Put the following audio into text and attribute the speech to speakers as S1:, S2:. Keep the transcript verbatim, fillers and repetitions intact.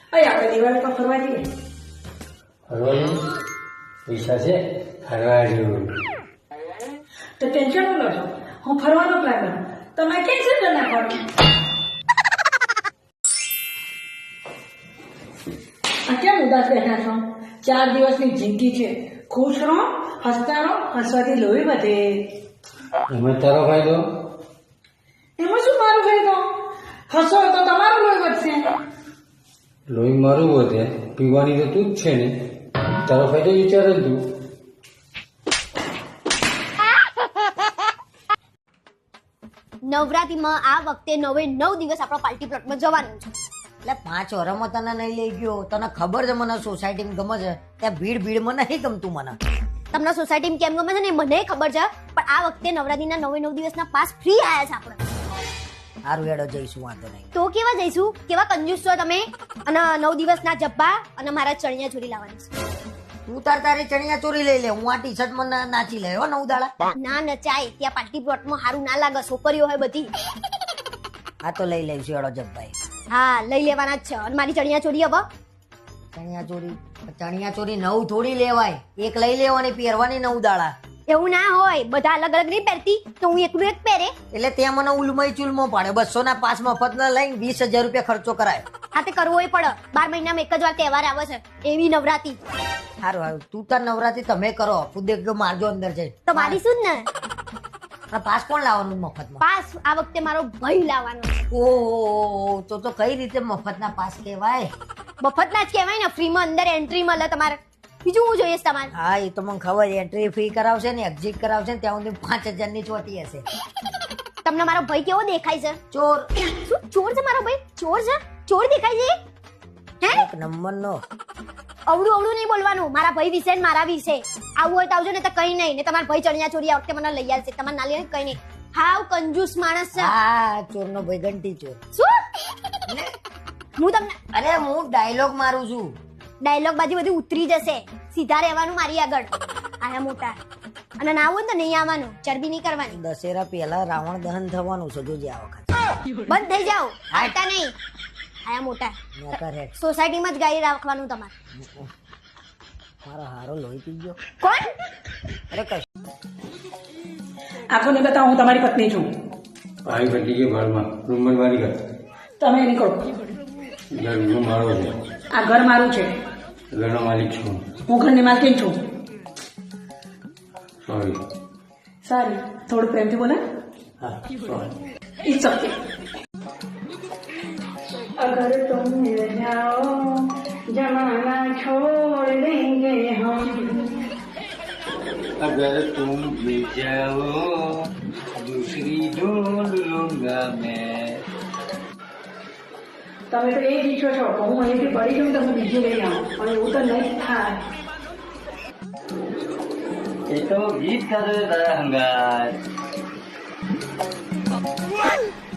S1: અરે આપણે દિવાળી પર ફરવા જઈએ.
S2: ફરવાનું પૈસા છે ફરવા જેવું.
S1: તો ટેન્શન ન લો છો, હું ફરવાનો પ્લાન કરું, તમે કેન્સલ કરી નાખવાનું. આ કેમ ઉદાસ બેઠા છો? ચાર દિવસની જિંદગી છે, ખુશ રહો, હસતા રહો, હસવાથી લોહી વધે.
S2: એમાં તારો ફાયદો?
S1: એમાં શું મારું ફાયદો? હસો તો તમારું લોહી વધશે.
S2: લોહી મારું વધે, પીવાની તો તું જ છે ને, તારો ફાયદો વિચાર જ તું.
S3: નવરાત્રીમાં આ વખતે નવે નવ દિવસ આપણો પાર્ટી પ્લોટમાં જવાનું છે.
S4: એટલે પાંચ વરમાં તને નહીં લઈ ગયો, તને ખબર છે મને સોસાયટીમાં ગમે છે, ત્યાં ભીડ ભીડમાં નહીં ગમતું મને.
S3: તમને સોસાયટીમાં કેમ ગમે છે ને મને ખબર છે, પણ આ વખતે નવરાત્રીના નવે નવ દિવસના પાસ ફ્રી આયા છે આપણે.
S4: સારું હેડો જઈશું, વાંધો નહીં.
S3: તો કેવા જઈશું? કેવા કંજૂસ છો તમે? અને નવ દિવસના જબ્બા અને મારા ચણિયા ચોરી લાવવાની છે.
S4: તું તાર તારી ચણિયા ચોરી લઈ લે, હું આ ટી શર્ટ માં નાચી લે હો નવ દાડા.
S3: ના નચાય, ત્યાં પાર્ટી પ્લોટમાં સારું ના લાગે, છોકરીઓ હોય બધી.
S4: આ તો લઈ લઈશું હેડો જબ્બાઈ.
S3: હા લઈ લેવાના જ છે. અને મારી ચણિયા ચોરી હવે
S4: ચણિયા ચોરી ચણિયા ચોરી નવ થોડી લેવાય, એક લઈ લેવાની પહેરવાની નવ દાડા.
S3: એવું ના હોય, બધા અલગ અલગ નહીં પહેરતી, તો હું એકલું એક પહેરે.
S4: એટલે ત્યાં મને ઉલમય ચુલમો પાડે, બસો ના પાસ મફત ના લઈને વીસ હજાર રૂપિયા ખર્ચો કરાય.
S3: હા તે કરવો પડે, બાર મહિનામાં એક જ વાર તહેવાર આવે છે, એવી નવરાત્રી.
S4: સારું સારું, તું તાર નવરાત્રી તમે કરો, ખુદ એક મારજો અંદર જઈ.
S3: તો મારી શું ને
S4: પાસ કોણ લાવવાનું મફતમાં?
S3: પાસ આ વખતે મારો ભાઈ લાવવાનો.
S4: ઓહો, તો તો કઈ રીતે મફતના પાસ કહેવાય?
S3: મફત ના જ કહેવાય ને, ફ્રીમાં અંદર એન્ટ્રી મળે તમારે. બીજું હું જોઈએ તમારે?
S4: હા એ તો મને ખબર, એન્ટ્રી ફી કરાવશે ને એક્ઝિટ કરાવશે ને ત્યાં સુધી પાંચ હજાર ની ચોટી હશે.
S3: તમને મારો ભાઈ કેવો દેખાય છે?
S4: ચોર.
S3: શું ચોર છે મારો ભાઈ? ચોર છે? ચોર દેખાય છે? હે
S4: એક નંબર નો.
S3: અવળું અવળું નહીં બોલવાનું મારા ભાઈ વિશે ને મારા વિશે. આવું હોય તો આવજો, ને તો કઈ નહીં. ને તમારા ભાઈ ચણિયા ચોરી આ વખતે મને લઈ આવશે, તમારે ના લઈ કઈ નહીં. હાવ કંજૂસ માણસ છે.
S4: હા ચોર નો ભાઈ ઘંટી ચોર.
S3: શું? હું તમને
S4: અરે હું ડાયલોગ મારું છું.
S3: ડાયલોગ બાજુ બધી ઉતરી જશે, સીધા રહેવાનું મારી આગળ. આયા મોટા અને ના હોય તો નહીં આવવાનું, ચરબી નહીં કરવાની.
S4: દશેરા પહેલા રાવણ દહન થવાનું છે, જોજે આ વખત.
S3: બંધ થઈ જાઓ, હાટા નહીં. આયા મોટા સોસાયટીમાં જ ગાડી રાખવાનું તમારે.
S4: મારો હારો લોહી પી ગયો.
S3: કોણ?
S4: અરે કશ
S1: આંખો ને બતાવો, હું તમારી પત્ની છું.
S2: ભાઈ ઘટી ગયો ઘરમાં, રૂમ મારી ઘર.
S1: તમે નીકળો.
S2: ઘરનો મારો છે,
S1: આ ઘર મારું છે,
S2: ઘરનો માલિક છું.
S1: હું ઘરની માલકીન છું.
S2: સોરી.
S1: સારી, થોડું પ્રેમથી બોલે.
S2: હા સોરી.
S1: It's okay. अगर तुम मिल जाओ जमाना छोड़ देंगे हम.
S2: अगर तुम मिल जाओ दूसरी ढूंढ लूंगा मैं.
S1: તમે તો એ જ ઈચ્છો છો કે હું અહીંથી પડી જાઉં તો હું બીજું લઈ આવું, પણ એવું તો નહીં થાય.
S2: એ તો ગીત કરે તારા હંગાત.